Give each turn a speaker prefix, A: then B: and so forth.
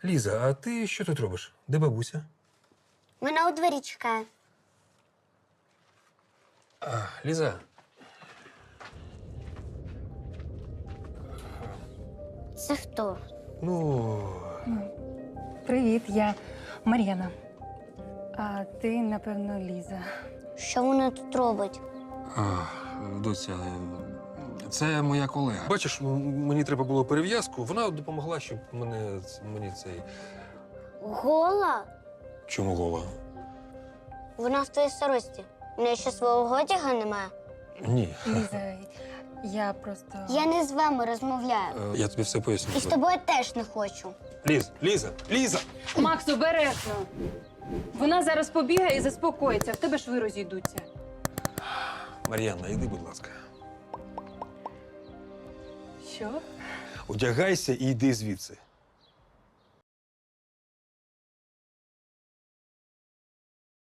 A: Ліза, а ти що тут робиш? Де бабуся?
B: Вона у двері чекає.
A: Ліза.
B: Це хто?
A: Ну,
C: Привіт, я Мар'яна. А ти, напевно, Ліза.
B: Що вона тут робить?
A: доця, це моя колега. Бачиш, мені треба було перев'язку. Вона допомогла, щоб мені цей.
B: Гола?
A: Чому гола?
B: Вона в твоїй сорочці. У неї ще свого одяга немає.
A: Ні.
C: Ліза, я просто.
B: Я не з вами розмовляю.
A: Я тобі все поясню.
B: І з тобою теж не хочу.
A: Ліза!
C: Макс, обережно! Вона зараз побігає і заспокоїться, в тебе шви розійдуться.
A: Мар'яна, йди, будь ласка.
C: Що?
A: Одягайся і йди звідси.